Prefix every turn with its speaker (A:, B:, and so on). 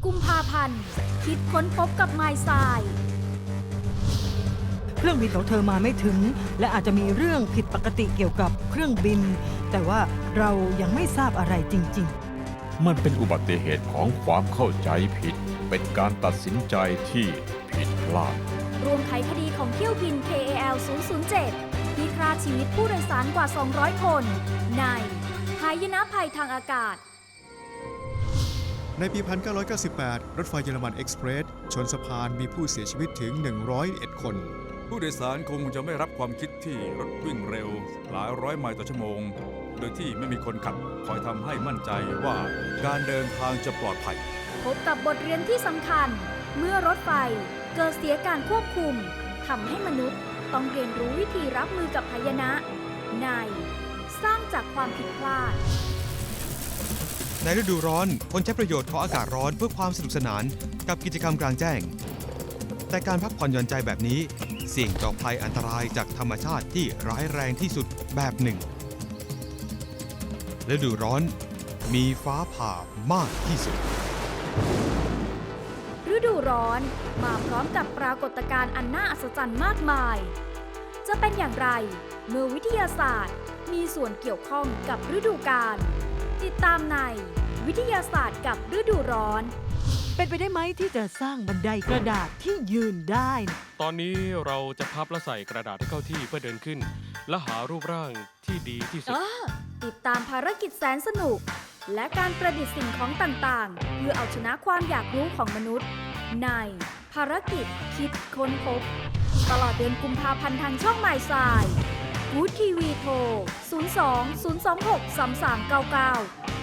A: กุมภาพันธ์คิดค้นพบกับไมล์ทราย
B: เครื่องบินของเธอมาไม่ถึงและอาจจะมีเรื่องผิดปกติเกี่ยวกับเครื่องบิน แต่ว่าเรายังไม่ทราบอะไรจริง
C: มันเป็นอุบัติเหตุของความเข้าใจผิด เป็นการตัดสินใจที่ผิดพลาด
A: รวมไขคดีของเที่ยวบิน KAL 007 ที่ฆ่าชีวิตผู้โดยสารกว่า 200 คน ในหายนะภัยทางอากาศ
D: ในปี 1998 รถไฟเยอรมันเอ็กซ์เพรสชนสะพานมีผู้เสียชีวิตถึง 101 คน
E: ผู้โดยสารคงจะไม่รับความคิดที่รถวิ่งเร็วหลายร้อยไมล์ต่อชั่วโมง โดยที่ไม่มีคนขับคอยทำให้มั่นใจว่าการเดินทางจะปลอดภัย
A: พบกับบทเรียนที่สำคัญ เมื่อรถไฟเกิดเสียการควบคุมทำให้มนุษย์ต้องเรียนรู้วิธีรับมือกับหายนะ ในสร้างจากความผิดพลาด
F: ในฤดูร้อนคนใช้ประโยชน์ของอากาศร้อนเพื่อความสนุกสนานกับกิจกรรมกลางแจ้ง แต่การพักผ่อนหย่อนใจแบบนี้เสี่ยงต่อภัยอันตรายจากธรรมชาติที่ร้ายแรงที่สุดแบบหนึ่งฤดูร้อนมีฟ้าผ่ามากที่สุด
A: ฤดูร้อนมาพร้อมกับปรากฏการณ์อันน่าอัศจรรย์มากมาย จะเป็นอย่างไรเมื่อวิทยาศาสตร์มีส่วนเกี่ยวข้องกับฤดูกาลติดตามในวิทยาศาสตร์กับฤดูร้อน
B: ๆ เป็นไปได้ไหมที่จะสร้างบันไดกระดาษที่ยืนได้
G: ตอนนี้เราจะพับและใส่กระดาษให้เข้าที่เพื่อเดินขึ้น และหารูปร่างที่ดีที่สุด
A: ติดตามภารกิจแสนสนุก และการประดิษฐ์สิ่งของต่างๆ เพื่อเอาชนะความอยากรู้ของมนุษย์ ในภารกิจคิดค้นพบ ตลอดเดือนกุมภาพันธ์ทางช่องหมายสายกู๊ดทีวีโทร 02 026 3399